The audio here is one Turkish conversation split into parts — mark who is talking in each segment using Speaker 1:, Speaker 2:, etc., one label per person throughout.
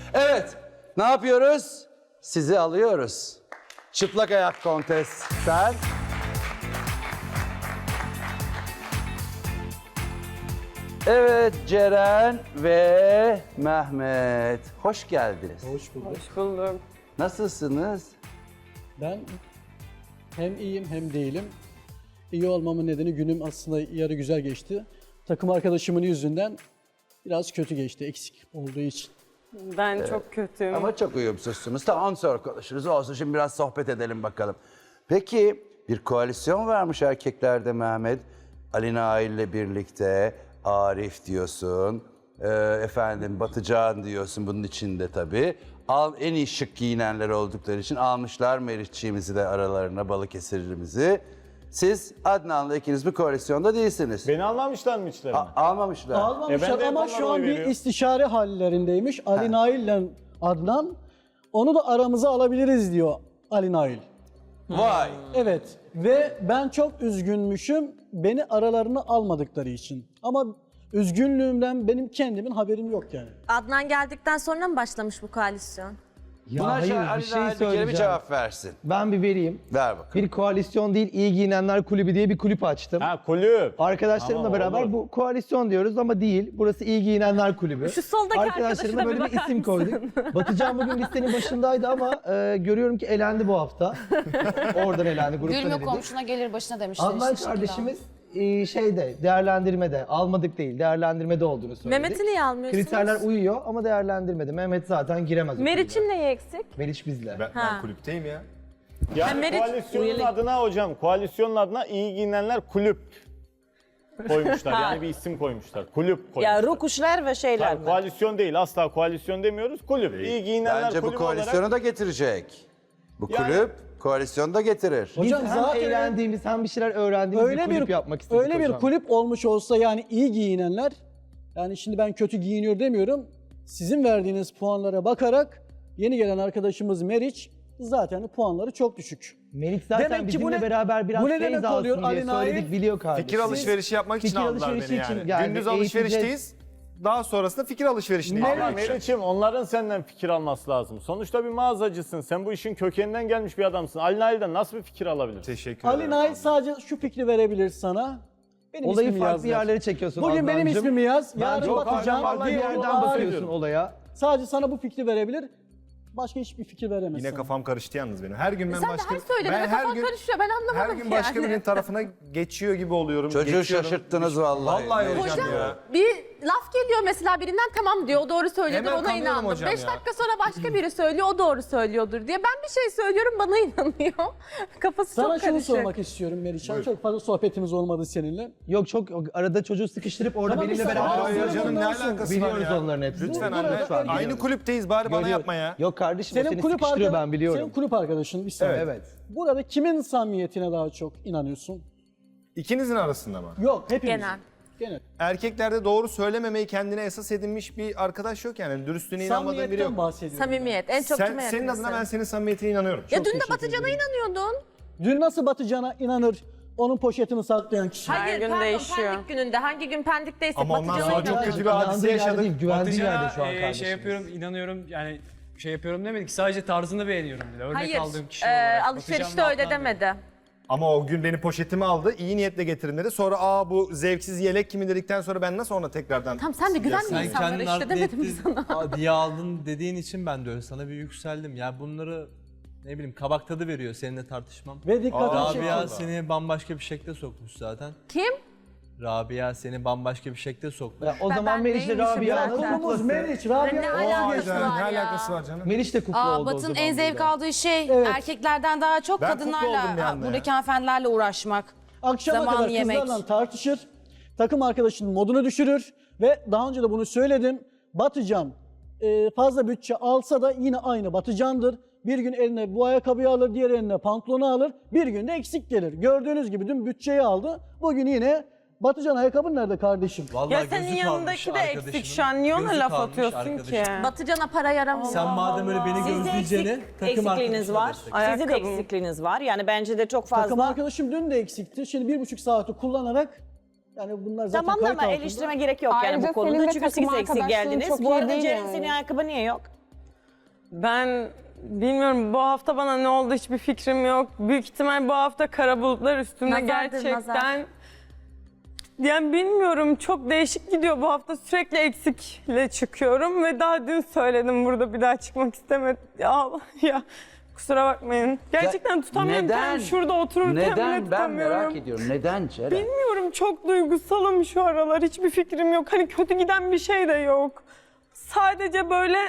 Speaker 1: Evet, ne yapıyoruz? Sizi alıyoruz. Çıplak ayak kontes sen. Evet, Ceren ve Mehmet. Hoş geldiniz.
Speaker 2: Hoş bulduk.
Speaker 3: Hoş buldum.
Speaker 1: Nasılsınız?
Speaker 2: Ben hem iyiyim hem değilim. İyi olmamın nedeni günüm aslında yarı güzel geçti. Takım arkadaşımın yüzünden biraz kötü geçti, eksik olduğu için.
Speaker 3: Ben çok kötüyüm.
Speaker 1: Ama çok uyumsuzsunuz. Tamam, sonra konuşuruz. Olsun, şimdi biraz sohbet edelim bakalım. Peki, bir koalisyon varmış erkeklerde Mehmet. Ali Nail ile birlikte Arif diyorsun. Efendim Batıcan diyorsun bunun içinde tabii. En iyi şık giyinenler oldukları için almışlar Meriççiğimizi de aralarına, Balıkesirlimizi. Siz Adnan'la ikiniz bir koalisyonda değilsiniz.
Speaker 4: Beni almamışlar mı içlerine?
Speaker 1: Almamışlar.
Speaker 2: Almamışlar
Speaker 4: ben de
Speaker 2: ama
Speaker 4: hep
Speaker 2: şu
Speaker 4: onlara
Speaker 2: an
Speaker 4: oy
Speaker 2: bir
Speaker 4: veriyorum.
Speaker 2: istişare hallerindeymiş. Ali Nail ile Adnan. Onu da aramıza alabiliriz diyor Ali Nail.
Speaker 1: Vay.
Speaker 2: Evet ve ben çok üzgünmüşüm beni aralarına almadıkları için. Ama üzgünlüğümden benim kendimin haberim yok yani.
Speaker 5: Adnan geldikten sonra mı başlamış bu koalisyon?
Speaker 6: Ya
Speaker 1: Buna
Speaker 6: hayır,
Speaker 1: Ali
Speaker 6: bir şey
Speaker 1: Nail bir kere bir
Speaker 6: söyleyeceğim.
Speaker 1: cevap versin.
Speaker 6: Ben bir vereyim.
Speaker 1: Ver bakalım.
Speaker 6: Bir koalisyon değil, iyi giyinenler kulübü diye bir kulüp açtım.
Speaker 4: Ha kulüp.
Speaker 6: Arkadaşlarımla
Speaker 4: Tamam,
Speaker 6: beraber
Speaker 4: olur.
Speaker 6: bu koalisyon diyoruz ama değil. Burası iyi giyinenler kulübü.
Speaker 5: Şu soldaki
Speaker 6: Arkadaşlarımla
Speaker 5: arkadaşına bir
Speaker 6: böyle bir
Speaker 5: bakar
Speaker 6: isim koyduk. Batıcan bugün listenin başındaydı ama görüyorum ki elendi bu hafta. Oradan elendi, gruptan
Speaker 7: Gülme
Speaker 6: elendi.
Speaker 7: komşuna gelir başına demişler.
Speaker 6: Adnan
Speaker 7: işte
Speaker 6: kardeşimiz değerlendirmede, almadık değil, değerlendirmede olduğunu söyledik.
Speaker 5: Mehmet'i niye almıyorsunuz?
Speaker 6: Kriterler uyuyor ama değerlendirmede. Mehmet zaten giremez. o kulübe.
Speaker 5: Meriç'in neyi eksik?
Speaker 6: Meriç bizle.
Speaker 5: Ha.
Speaker 8: kulüpteyim ya.
Speaker 4: Yani
Speaker 5: Meriç
Speaker 4: koalisyonun
Speaker 5: üyelik.
Speaker 4: adına hocam, koalisyonun adına iyi giyinenler kulüp koymuşlar. Yani bir isim koymuşlar. Kulüp koymuşlar.
Speaker 3: Ya rukuşlar ve şeyler
Speaker 4: Hayır,
Speaker 3: mi?
Speaker 4: koalisyon değil, asla koalisyon demiyoruz. Kulüp. İyi giyinenler
Speaker 1: Bence bu
Speaker 4: kulübü
Speaker 1: koalisyonu
Speaker 4: olarak.
Speaker 1: da getirecek. Bu
Speaker 4: Yani-
Speaker 1: kulüp koalisyonu da getirir.
Speaker 6: Biz
Speaker 2: Hocam
Speaker 6: hem
Speaker 2: zaten
Speaker 6: eğlendiğimiz hem bir şeyler öğrendiğimiz bir kulüp yapmak istedik
Speaker 2: öyle bir
Speaker 6: hocam.
Speaker 2: kulüp olmuş olsa yani iyi giyinenler, yani şimdi ben kötü giyiniyor demiyorum. Sizin verdiğiniz puanlara bakarak yeni gelen arkadaşımız Meriç zaten puanları çok düşük.
Speaker 6: Melik zaten
Speaker 2: Demek ki
Speaker 6: bizimle
Speaker 2: bu ne-
Speaker 6: beraber biraz
Speaker 2: bu ne
Speaker 6: feyz
Speaker 2: demek
Speaker 6: alsın
Speaker 2: oluyor
Speaker 6: diye
Speaker 2: Ali Nail?
Speaker 6: söyledik, biliyor kardeşim.
Speaker 8: Fikir alışverişi yapmak için
Speaker 6: fikir
Speaker 8: aldılar
Speaker 6: alışverişi
Speaker 8: beni
Speaker 6: için
Speaker 8: yani.
Speaker 6: geldi,
Speaker 8: Gündüz
Speaker 6: eğiteceğiz.
Speaker 8: alışverişteyiz. Daha sonrasında fikir alışverişine
Speaker 4: Ama
Speaker 8: gidiyor.
Speaker 4: Meriç'im onların senden fikir alması lazım. Sonuçta bir mağazacısın. Sen bu işin kökeninden gelmiş bir adamsın. Ali Nail'den nasıl bir fikir alabilirsin?
Speaker 8: Teşekkür
Speaker 2: Ali
Speaker 8: ederim.
Speaker 2: Nail sadece şu fikri verebilir sana. Benim
Speaker 6: Olayı
Speaker 2: ismimi
Speaker 6: farklı
Speaker 2: yazlar.
Speaker 6: yerlere çekiyorsun
Speaker 2: Bugün benim
Speaker 6: Adnancığım.
Speaker 2: ismimi yaz.
Speaker 6: Ben
Speaker 2: Yarın
Speaker 6: çok
Speaker 2: Batıcan,
Speaker 6: vallahi bir
Speaker 2: diğer
Speaker 6: yerden
Speaker 2: Arif.
Speaker 6: bakıyorsun olaya.
Speaker 2: Sadece sana bu fikri verebilir. Başka hiçbir fikir veremez.
Speaker 8: Yine
Speaker 2: sana.
Speaker 8: kafam karıştı yalnız benim. Her gün ben
Speaker 5: Sen
Speaker 8: başka...
Speaker 5: de her söylediğinde
Speaker 8: ben
Speaker 5: kafan karışıyor. Ben anlamadım
Speaker 8: Her gün başka
Speaker 5: yani.
Speaker 8: birinin tarafına geçiyor gibi oluyorum.
Speaker 1: Çocuğu
Speaker 8: geçiyorum.
Speaker 1: şaşırttınız vallahi.
Speaker 8: Vallahi
Speaker 1: Meriç.
Speaker 8: hocam ya.
Speaker 5: Bir laf geliyor mesela birinden tamam diyor o doğru söylüyordur
Speaker 8: Hemen
Speaker 5: ona
Speaker 8: kanıyorum
Speaker 5: inandım.
Speaker 8: hocam
Speaker 5: 5
Speaker 8: ya.
Speaker 5: dakika sonra başka biri söylüyor o doğru söylüyordur diye. Ben bir şey söylüyorum bana inanıyor. Kafası
Speaker 2: Sana
Speaker 5: çok
Speaker 2: şunu
Speaker 5: karışık.
Speaker 2: sormak istiyorum Meriç'an. Çok fazla sohbetimiz olmadı seninle.
Speaker 6: Yok çok arada çocuğu sıkıştırıp orada
Speaker 2: Tamam,
Speaker 6: benimle
Speaker 2: bir saniye.
Speaker 6: beraber
Speaker 2: Hayır
Speaker 8: Hayır canım ne
Speaker 2: Ondan sonra
Speaker 8: alakası var
Speaker 6: biliyoruz
Speaker 8: ya?
Speaker 6: onların hepsini.
Speaker 8: Lütfen
Speaker 2: Burada
Speaker 8: anne.
Speaker 2: lütfen
Speaker 8: Aynı
Speaker 2: biliyoruz.
Speaker 8: kulüpteyiz bari bana yapma ya.
Speaker 6: Yok kardeşim o
Speaker 2: Senin
Speaker 6: seni
Speaker 2: kulüp
Speaker 6: sıkıştırıyor ben biliyorum.
Speaker 2: Senin kulüp arkadaşın bir saniye.
Speaker 6: Evet.
Speaker 2: Burada kimin samimiyetine daha çok inanıyorsun?
Speaker 8: İkinizin arasında mı?
Speaker 2: Yok hepimiz.
Speaker 5: Genel.
Speaker 2: Genel.
Speaker 8: Erkeklerde doğru söylememeyi kendine esas edinmiş bir arkadaş yok yani. Dürüstlüğüne inanmadığın biri
Speaker 2: Samimiyetten
Speaker 8: yok.
Speaker 2: bahsediyorum.
Speaker 5: Samimiyet. En çok kime
Speaker 8: Senin
Speaker 5: yakınsın?
Speaker 8: adına ben senin samimiyetine inanıyorum.
Speaker 5: Ya dün de
Speaker 2: teşekkür
Speaker 5: Batıcan'a inanıyordun.
Speaker 2: Dün nasıl Batıcan'a inanır onun poşetini saklayan kişi?
Speaker 5: Hayır
Speaker 3: gün
Speaker 5: pardon
Speaker 3: değişiyor.
Speaker 5: Pendik gününde hangi gün Pendik'teysek
Speaker 8: Ama ondan
Speaker 5: Batıcan'a
Speaker 8: sonra çok
Speaker 5: inanıyordun.
Speaker 8: kötü bir hadise
Speaker 6: İnandığı yerde
Speaker 8: yaşadık.
Speaker 6: değil, güvendiği yerde şu an
Speaker 9: Batıcan'a
Speaker 6: kardeşim.
Speaker 9: şey yapıyorum, inanıyorum yani şey yapıyorum demedik. Sadece tarzını beğeniyorum dedi. Örnek
Speaker 5: Hayır
Speaker 9: aldığım kişi olarak.
Speaker 5: alışverişte
Speaker 9: Batıcan
Speaker 5: öyle
Speaker 9: Adnan dedi.
Speaker 5: demedi.
Speaker 8: Ama o gün benim poşetimi aldı, iyi niyetle getirin dedi. Sonra bu zevksiz yelek kimi dedikten sonra ben nasıl ona tekrardan...
Speaker 5: Tamam sen de güvenme
Speaker 9: Sen
Speaker 5: insanlara
Speaker 9: kendini
Speaker 5: işte demedim mi sana?
Speaker 9: diye aldın dediğin için ben de öyle sana bir yükseldim. Ya bunları ne bileyim kabak tadı veriyor seninle tartışmam.
Speaker 2: Ve dikkatini
Speaker 9: Rabia
Speaker 2: çekiyor.
Speaker 9: seni bambaşka bir şekle sokmuş zaten.
Speaker 5: Kim?
Speaker 9: Rabia seni bambaşka bir şekle sokmuş.
Speaker 6: Ya o
Speaker 5: Ben
Speaker 6: zaman Meriç'le
Speaker 5: neymişim
Speaker 6: Rabia'nın
Speaker 5: zaten?
Speaker 2: Konumuz
Speaker 6: kuplası.
Speaker 2: Meriç, Rabia.
Speaker 5: Ne
Speaker 8: Vay
Speaker 5: alakası
Speaker 8: canım,
Speaker 5: var
Speaker 8: ne
Speaker 5: ya?
Speaker 8: alakası var canım?
Speaker 6: Meriç de kuplu oldu o
Speaker 7: Batın
Speaker 6: zaman
Speaker 7: en zevk
Speaker 6: burada.
Speaker 7: aldığı şey
Speaker 2: Evet.
Speaker 7: erkeklerden daha çok
Speaker 8: Ben kutlu oldum bir
Speaker 7: kadınlarla,
Speaker 8: anda ya.
Speaker 7: buradaki hanımefendilerle uğraşmak.
Speaker 2: Akşama
Speaker 7: Zaman
Speaker 2: kadar
Speaker 7: yemek.
Speaker 2: kızlarla tartışır. Takım arkadaşının modunu düşürür. Ve daha önce de bunu söyledim. Batıcan fazla bütçe alsa da yine aynı Batıcan'dır. Bir gün eline bu ayakkabıyı alır, diğer eline pantolonu alır. Bir gün de eksik gelir. Gördüğünüz gibi dün bütçeyi aldı. Bugün yine Batıcan ayakkabın nerede kardeşim?
Speaker 9: Vallahi
Speaker 3: Ya senin
Speaker 9: gözü
Speaker 3: yanındaki
Speaker 9: kalmış
Speaker 3: de eksik
Speaker 9: arkadaşının.
Speaker 3: şu an. Niye ona
Speaker 9: Gözü
Speaker 3: laf
Speaker 9: kalmış
Speaker 3: atıyorsun
Speaker 9: arkadaşının.
Speaker 3: ki?
Speaker 5: Batıcan'a para yaramıyor.
Speaker 9: Sen madem öyle beni
Speaker 10: Sizde
Speaker 9: gözleyeceğini takım
Speaker 10: eksikliğiniz var.
Speaker 9: arkadaşına destek.
Speaker 10: Sizde de
Speaker 3: Ayakkabım.
Speaker 10: eksikliğiniz var. Yani bence de çok
Speaker 2: Takım
Speaker 10: fazla.
Speaker 2: arkadaşım dün de eksikti. Şimdi 1,5 saati kullanarak yani bunlar zaten
Speaker 10: Tamam
Speaker 2: kayıt
Speaker 10: ama
Speaker 2: altında.
Speaker 10: eleştirme gerek yok yani
Speaker 11: Ayrıca
Speaker 10: bu konuda.
Speaker 11: senin de
Speaker 10: Çünkü
Speaker 11: takım
Speaker 10: siz eksik
Speaker 11: arkadaşlığın
Speaker 10: geldiniz.
Speaker 11: çok
Speaker 10: Bu
Speaker 11: iyi
Speaker 10: arada
Speaker 11: değil
Speaker 10: Ceren
Speaker 11: yani.
Speaker 10: senin ayakkabı niye yok?
Speaker 3: Ben bilmiyorum, bu hafta bana ne oldu hiçbir fikrim yok. Büyük ihtimal bu hafta kara bulutlar üstümde
Speaker 5: Nazardır,
Speaker 3: gerçekten.
Speaker 5: nazar.
Speaker 3: Yani bilmiyorum, çok değişik gidiyor bu hafta, sürekli eksikle çıkıyorum ve daha dün söyledim, burada bir daha çıkmak istemedim. Ya kusura bakmayın. Gerçekten tutamıyorum.
Speaker 1: neden?
Speaker 3: Kendimi şurada otururken bile
Speaker 1: Neden? Ben
Speaker 3: tutamıyorum.
Speaker 1: merak ediyorum. Neden Ceren?
Speaker 3: Bilmiyorum, çok duygusalım şu aralar, hiçbir fikrim yok. Hani kötü giden bir şey de yok. Sadece böyle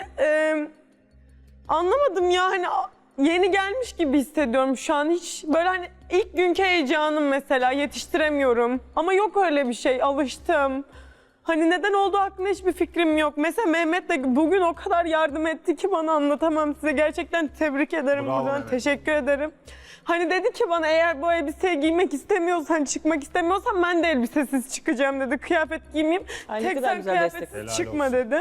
Speaker 3: anlamadım ya, hani yeni gelmiş gibi hissediyorum şu an. Hiç böyle hani ilk günkü heyecanım mesela, yetiştiremiyorum. Ama yok öyle bir şey, alıştım. Hani neden olduğu hakkında hiçbir fikrim yok. Mesela Mehmet de bugün o kadar yardım etti ki bana, anlatamam size. Gerçekten tebrik ederim
Speaker 8: Bravo
Speaker 3: buradan,
Speaker 8: Mehmet.
Speaker 3: teşekkür ederim. Hani dedi ki bana, eğer bu elbiseyi giymek istemiyorsan, çıkmak istemiyorsan ben de elbisesiz çıkacağım dedi. Kıyafet giymeyeyim.
Speaker 10: Ay, ne
Speaker 3: Tek
Speaker 10: kadar
Speaker 3: sen
Speaker 10: güzel
Speaker 3: kıyafetsiz
Speaker 8: destek.
Speaker 3: çıkma
Speaker 8: Helal olsun.
Speaker 3: dedi.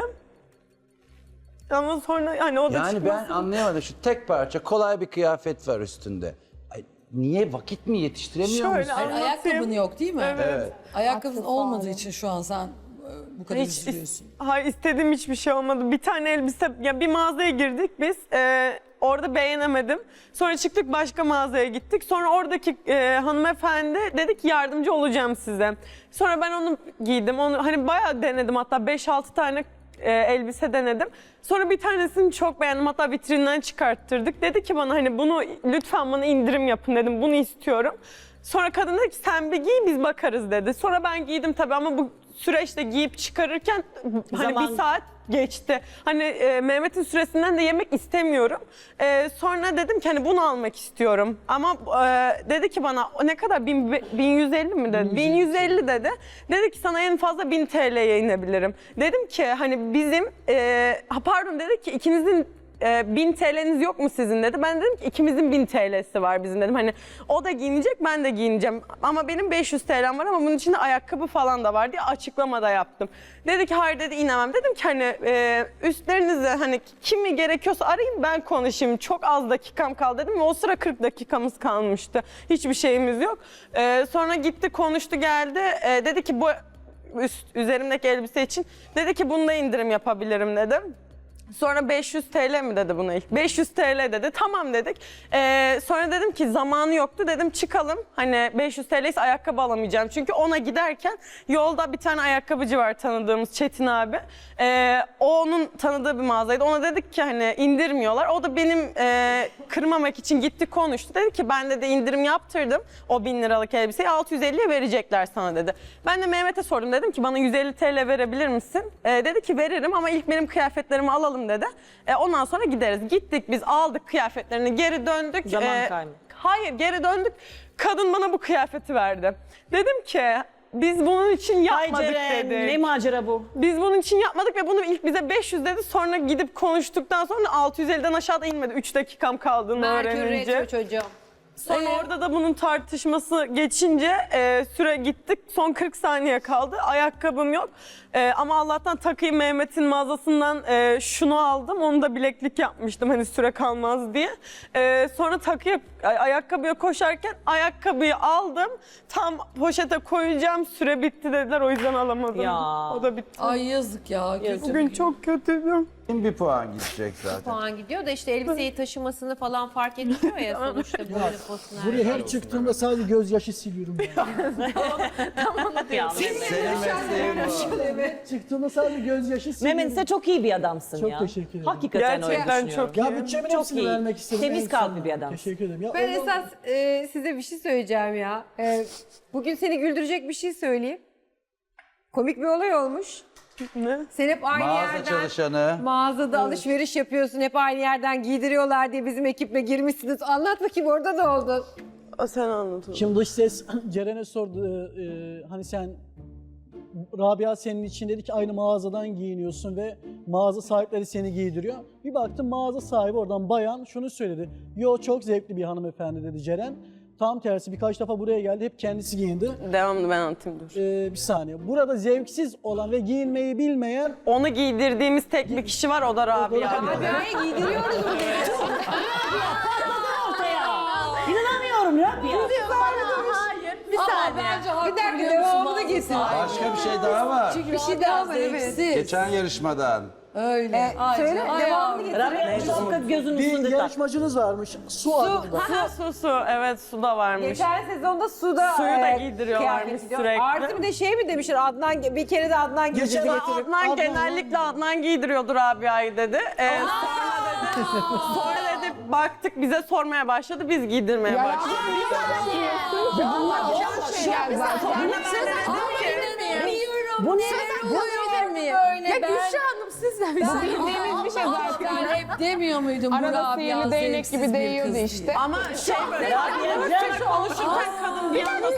Speaker 3: Ama sonra hani o da
Speaker 1: Yani
Speaker 3: çıkmasın.
Speaker 1: ben anlayamadım. Şu tek parça kolay bir kıyafet var üstünde. Ay, niye vakit mi yetiştiremiyor
Speaker 3: Şöyle
Speaker 1: musun?
Speaker 3: anlatayım.
Speaker 11: Ayakkabın yok değil mi?
Speaker 3: Evet.
Speaker 11: Ayakkabın olmadığı için şu an sen bu kadar
Speaker 3: Hiç
Speaker 11: üzülüyorsun.
Speaker 3: hayır, istediğim hiçbir şey olmadı. Bir tane elbise, ya bir mağazaya girdik biz. Orada beğenemedim. Sonra çıktık, başka mağazaya gittik. Sonra oradaki hanımefendi dedi ki yardımcı olacağım size. Sonra ben onu giydim. Onu hani bayağı denedim, hatta 5-6 tane elbise denedim. Sonra bir tanesini çok beğendim, hatta vitrinden çıkarttırdık. Dedi ki bana, hani bunu lütfen bana indirim yapın dedim, bunu istiyorum. Sonra kadın dedi ki sen bir giy, biz bakarız dedi. Sonra ben giydim tabii, ama bu süreçte giyip çıkarırken hani
Speaker 10: Zaman-
Speaker 3: bir saat geçti. Hani Mehmet'in süresinden de yemek istemiyorum. Sonra dedim ki hani bunu almak istiyorum. Ama dedi ki bana, ne kadar 1150 mi dedi? 1150 dedi. Dedi ki sana en fazla 1000 TL'ye inebilirim. Dedim ki hani bizim pardon, dedi ki ikinizin 1000 TL'niz yok mu sizin dedi. Ben dedim ki ikimizin 1000 TL'si var bizim dedim. Hani o da giyinecek, ben de giyineceğim. Ama benim 500 TL'm var, ama bunun içinde ayakkabı falan da var diye açıklama da yaptım. Dedi ki hayır dedi, inemem. Dedim ki hani üstlerinize hani kimi gerekiyorsa arayın, ben konuşayım. Çok az dakikam kaldı dedim ve o sıra 40 dakikamız kalmıştı. Hiçbir şeyimiz yok. Sonra gitti, konuştu, geldi. Dedi ki bu üzerimdeki elbise için, dedi ki bunda indirim yapabilirim dedim. Sonra 500 TL mi dedi buna ilk? 500 TL dedi. Tamam dedik. Sonra dedim ki zamanı yoktu. Dedim çıkalım. Hani 500 TL ise ayakkabı alamayacağım. Çünkü ona giderken yolda bir tane ayakkabıcı var tanıdığımız, Çetin abi. O onun tanıdığı bir mağazaydı. Ona dedik ki hani indirmiyorlar. O da benim kırmamak için gitti, konuştu. Dedi ki ben de indirim yaptırdım. O 1000 liralık elbiseyi 650'ye verecekler sana dedi. Ben de Mehmet'e sordum. Dedim ki bana 150 TL verebilir misin? Dedi ki veririm, ama ilk benim kıyafetlerimi alalım dedi. Ondan sonra gideriz. Gittik biz, aldık kıyafetlerini, geri döndük.
Speaker 10: Zaman kaybı.
Speaker 3: Hayır, geri döndük. Kadın bana bu kıyafeti verdi. Dedim ki biz bunun için
Speaker 10: Ay
Speaker 3: yapmadık
Speaker 10: Ceren,
Speaker 3: dedik.
Speaker 10: ne macera bu?
Speaker 3: Biz bunun için yapmadık ve bunu ilk bize 500 dedi. Sonra gidip konuştuktan sonra 650'den aşağıda inmedi. 3 dakikam kaldığını öğrenince.
Speaker 11: çocuğum.
Speaker 3: Sonra orada da bunun tartışması geçince süre gittik. Son 40 saniye kaldı. Ayakkabım yok. Ama Allah'tan takıyı Mehmet'in mağazasından şunu aldım. Onu da bileklik yapmıştım hani süre kalmaz diye. Sonra ayakkabıya koşarken ayakkabıyı aldım. Tam poşete koyacağım. Süre bitti dediler. O yüzden alamadım.
Speaker 10: Ya.
Speaker 3: O da bitti.
Speaker 11: Ay yazık ya.
Speaker 3: Bugün çok kötüydüm.
Speaker 1: Bir puan gidecek zaten.
Speaker 5: Puan gidiyor da işte elbiseyi taşımasını falan fark ediyor ya sonuçta boynu posuna.
Speaker 2: Buraya her çıktığımda sadece gözyaşı siliyorum. Yani.
Speaker 1: Senin mesleğin bu.
Speaker 2: Çıktığımda sadece gözyaşı siliyorum.
Speaker 10: Mehmet sen çok iyi bir adamsın
Speaker 2: Çok
Speaker 10: ya.
Speaker 2: teşekkür ederim.
Speaker 10: Hakikaten
Speaker 3: Gerçekten
Speaker 10: öyle düşünüyorum.
Speaker 3: çok
Speaker 2: Ya
Speaker 3: iyi.
Speaker 2: bütçemin
Speaker 10: Çok
Speaker 2: hepsini
Speaker 10: iyi.
Speaker 2: vermek istedim.
Speaker 10: Temiz
Speaker 2: en
Speaker 10: kalpli
Speaker 2: sonunda.
Speaker 10: bir adamsın.
Speaker 2: Teşekkür ederim. Ya
Speaker 5: Ben
Speaker 2: Allah-
Speaker 5: esas size bir şey söyleyeceğim ya. Bugün seni güldürecek bir şey söyleyeyim. Komik bir olay olmuş.
Speaker 3: Ne?
Speaker 5: Sen hep aynı
Speaker 1: Mağaza
Speaker 5: yerden
Speaker 1: çalışanı.
Speaker 5: mağazada alışveriş yapıyorsun. Hep aynı yerden giydiriyorlar diye bizim ekiple girmişsiniz. Anlat bakayım, orada ne oldu?
Speaker 3: Sen anlat.
Speaker 2: Şimdi dış ses Ceren'e sordu. Hani sen Rabia senin için dedi ki aynı mağazadan giyiniyorsun ve mağaza sahipleri seni giydiriyor. Bir baktım mağaza sahibi oradan bayan şunu söyledi. Yo çok zevkli bir hanımefendi dedi Ceren. Tam tersi birkaç defa buraya geldi hep kendisi giyindi.
Speaker 3: Devamlı ben anlatayım dur.
Speaker 2: Bir saniye. Burada zevksiz olan ve giyinmeyi bilmeyen
Speaker 3: Onu giydirdiğimiz tek bir kişi var, o da Rabia.
Speaker 5: Rabia'ya giydiriyoruz bunu.
Speaker 10: İnanamıyorum ya.
Speaker 5: Bir saniye. Bir dakika, devamını getir.
Speaker 1: Başka bir şey daha var.
Speaker 5: Bir şey daha var, evet.
Speaker 1: Geçen yarışmadan.
Speaker 11: Öyle.
Speaker 5: Söyle, devamını getir.
Speaker 10: Rabia Sıkı gözünün
Speaker 2: Bir
Speaker 10: üstünde tak.
Speaker 2: yarışmacınız varmış. Su adında.
Speaker 3: Ha, su. Evet, su da varmış.
Speaker 5: Geçen sezonda suda
Speaker 3: Suyu da giydiriyorlarmış
Speaker 5: kıyafet gidiyor.
Speaker 3: sürekli.
Speaker 5: Artı bir de şey mi demişler Adnan bir kere de Adnan giydirdi
Speaker 2: Geçen
Speaker 5: getirip.
Speaker 3: Adnan genellikle Adnan giydiriyordur Rabia'yı dedi. Sonra dedi baktık bize sormaya başladı, biz giydirmeye başladık.
Speaker 10: Bu ne?
Speaker 11: Böyle ben...
Speaker 5: Hanım sizden
Speaker 11: Bildiğimiz bir şey zaten. Hep demiyor muydum bu Rabia
Speaker 3: değnek gibi değiyordu işte. Ama şey böyle Türkçe konuşurken kadın bir anda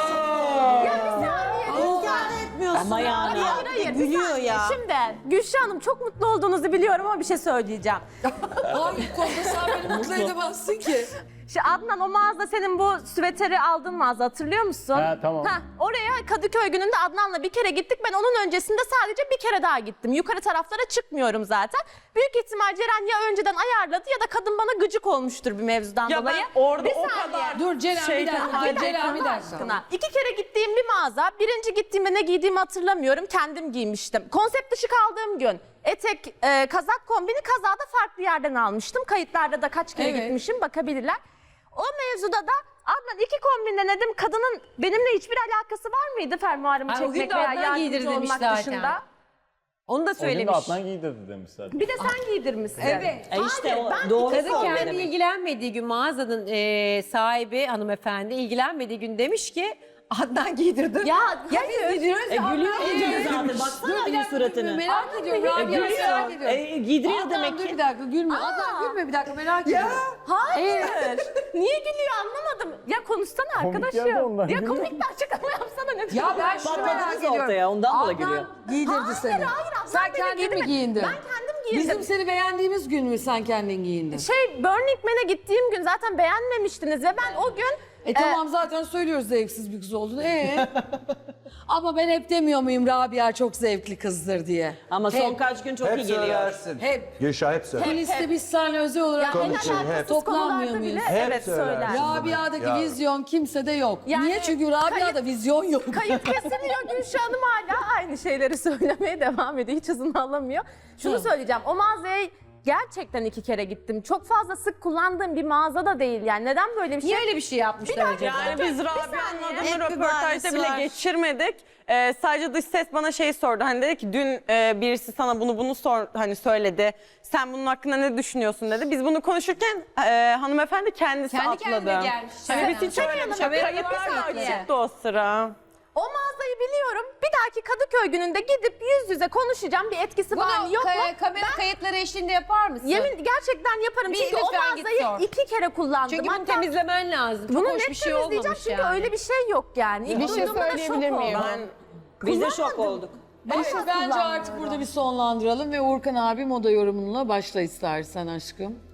Speaker 10: Ama yani ya.
Speaker 7: Gülüyor ya. Şimdi Gülşah Hanım çok mutlu olduğunuzu biliyorum ama bir şey söyleyeceğim.
Speaker 11: Hangi konuda sen beni mutlu edemezsin ki?
Speaker 7: Şimdi Adnan o mağaza senin bu süveteri aldığın mağaza hatırlıyor musun?
Speaker 4: He, tamam.
Speaker 7: Oraya Kadıköy gününde Adnan'la bir kere gittik. Ben onun öncesinde sadece bir kere daha gittim. Yukarı taraflara çıkmıyorum zaten. Büyük ihtimal Ceren ya önceden ayarladı ya da kadın bana gıcık olmuştur bir mevzudan
Speaker 3: Ya
Speaker 7: dolayı.
Speaker 3: ben orada
Speaker 7: Bir
Speaker 3: o
Speaker 7: saniye.
Speaker 3: kadar
Speaker 11: Dur Ceren bir dakika.
Speaker 7: Hayır,
Speaker 11: Ceren bir
Speaker 7: Allah
Speaker 11: dakika.
Speaker 7: aşkına. 2 kere gittiğim bir mağaza. Birinci gittiğimde ne giydiğimi hatırlamıyorum. Kendim giymiştim. Konsept dışı kaldığım gün etek, kazak kombini kazağı da farklı yerden almıştım. Kayıtlarda da kaç kere
Speaker 11: Evet.
Speaker 7: gitmişim bakabilirler. O mevzuda da Adnan 2 kombin denedim. Kadının benimle hiçbir alakası var mıydı fermuarımı
Speaker 5: Ay, o gün
Speaker 7: çekmek
Speaker 5: de
Speaker 7: veya
Speaker 5: Adnan
Speaker 7: yardımcı
Speaker 5: giydir demiş
Speaker 7: olmak
Speaker 5: zaten.
Speaker 7: dışında?
Speaker 5: Onu da
Speaker 4: O gün de
Speaker 5: söylemiş.
Speaker 4: Adnan giydirdi demiş zaten.
Speaker 7: Bir de sen giydirmişsin.
Speaker 5: Evet.
Speaker 10: işte o
Speaker 7: ben
Speaker 10: doğru
Speaker 5: Kadın
Speaker 10: söylüyor
Speaker 5: kendi
Speaker 10: demek.
Speaker 5: ilgilenmediği gün mağazanın sahibi hanımefendi ilgilenmediği gün demiş ki Adnan giydirdi.
Speaker 7: Ya
Speaker 5: Ya biz giydiriyoruz ya
Speaker 10: Gülüyor
Speaker 5: Adnan
Speaker 10: diyor
Speaker 5: giydirdi.
Speaker 10: zaten.
Speaker 11: Dur
Speaker 10: Baksana
Speaker 11: bir
Speaker 10: bir
Speaker 11: dakika
Speaker 10: suratını.
Speaker 11: merak ediyorum. Rabia merak
Speaker 10: Gülüyor.
Speaker 11: ediyorum.
Speaker 10: Giydiriyor
Speaker 11: Adnan,
Speaker 10: demek
Speaker 11: dur
Speaker 10: ki.
Speaker 11: bir dakika gülme. Adnan gülme bir dakika merak ediyorum.
Speaker 7: Hayır. Niye gülüyor anlamadım. Ya konuşsana
Speaker 4: Komik
Speaker 7: arkadaşım.
Speaker 4: geldi ondan,
Speaker 7: Ya
Speaker 4: gülüyor.
Speaker 7: komik bir açıklama yapsana ne
Speaker 11: Ya ben şunu merak
Speaker 10: Patladınız
Speaker 11: ediyorum.
Speaker 10: ortaya ondan dolayı gülüyor.
Speaker 11: Adnan giydirdi seni.
Speaker 7: Hayır Adnan
Speaker 11: Sen
Speaker 7: beni
Speaker 11: kendin mi
Speaker 7: giydirmedi.
Speaker 11: giyindin?
Speaker 7: Ben kendim giyindim.
Speaker 11: Bizim seni beğendiğimiz gün mü sen kendin giyindin?
Speaker 7: Burning Man'e gittiğim gün zaten beğenmemiştiniz ve ben o gün
Speaker 11: Tamam zaten söylüyoruz zevksiz bir kız olduğunu. Ama ben hep demiyor muyum Rabia çok zevkli kızdır diye.
Speaker 10: Ama son
Speaker 11: Hep.
Speaker 10: kaç gün çok
Speaker 1: Hep
Speaker 10: iyi geliyor.
Speaker 1: söylersin.
Speaker 11: Hep.
Speaker 1: Gülşah hep söyler.
Speaker 11: Kuliste biz seninle özel olarak
Speaker 7: en
Speaker 1: Konuşuyor, hep.
Speaker 7: alakasız
Speaker 11: Toplanmıyor
Speaker 7: konularda
Speaker 11: muyuz?
Speaker 7: bile
Speaker 1: Hep
Speaker 7: evet
Speaker 1: söyler.
Speaker 7: söyler.
Speaker 11: Rabia'daki
Speaker 1: Ya.
Speaker 11: vizyon kimsede yok.
Speaker 7: Yani
Speaker 11: Niye? Çünkü Rabia'da vizyon yok.
Speaker 7: Kayıt kesiliyor Gülşah Hanım hala aynı şeyleri söylemeye devam ediyor. Hiç hızını alamıyor. Şunu söyleyeceğim. O mağazaya gerçekten 2 kere gittim. Çok fazla sık kullandığım bir mağaza da değil yani. Neden böyle bir şey?
Speaker 5: Niye öyle bir şey yapmışlar acaba?
Speaker 3: Yani biz Rabia'nın
Speaker 7: saniye.
Speaker 3: adını
Speaker 7: Hep bir
Speaker 3: röportajda
Speaker 7: bahanesi
Speaker 3: bile
Speaker 7: var.
Speaker 3: geçirmedik. Sadece dış ses bana şey sordu. Hani dedi ki dün birisi sana bunu hani söyledi. Sen bunun hakkında ne düşünüyorsun dedi. Biz bunu konuşurken hanımefendi kendisi
Speaker 5: Kendi
Speaker 3: atladı.
Speaker 5: kendine gelmiş.
Speaker 3: Hani biz hiç öyle bir şey
Speaker 5: Haberin
Speaker 3: kayıtlar
Speaker 5: var
Speaker 3: da
Speaker 5: mı?
Speaker 3: açıktı o sıra.
Speaker 7: O mağazayı biliyorum. Bir dahaki Kadıköy gününde gidip yüz yüze konuşacağım. Bir etkisi var mı yok mu?
Speaker 5: kamera kayıtları eşliğinde yapar mısın?
Speaker 7: Yemin gerçekten yaparım.
Speaker 5: Bir
Speaker 7: Çünkü o
Speaker 5: lütfen git
Speaker 7: mağazayı
Speaker 5: sor.
Speaker 7: 2 kere kullandım.
Speaker 5: Çünkü bunu
Speaker 7: Hatta
Speaker 5: temizlemen lazım. Çok
Speaker 7: bunu
Speaker 5: hoş
Speaker 7: net
Speaker 5: bir şey
Speaker 7: temizleyeceğim
Speaker 5: olmamış
Speaker 7: çünkü
Speaker 5: yani.
Speaker 7: öyle bir şey yok yani. İlk
Speaker 3: Bir şey
Speaker 7: duyduğumda da şok
Speaker 3: söyleyebilir miyim?
Speaker 7: oldum.
Speaker 10: Biz de şok olduk.
Speaker 11: Bence artık burada bir sonlandıralım ve Uğurkan abi moda yorumunla başla istersen aşkım.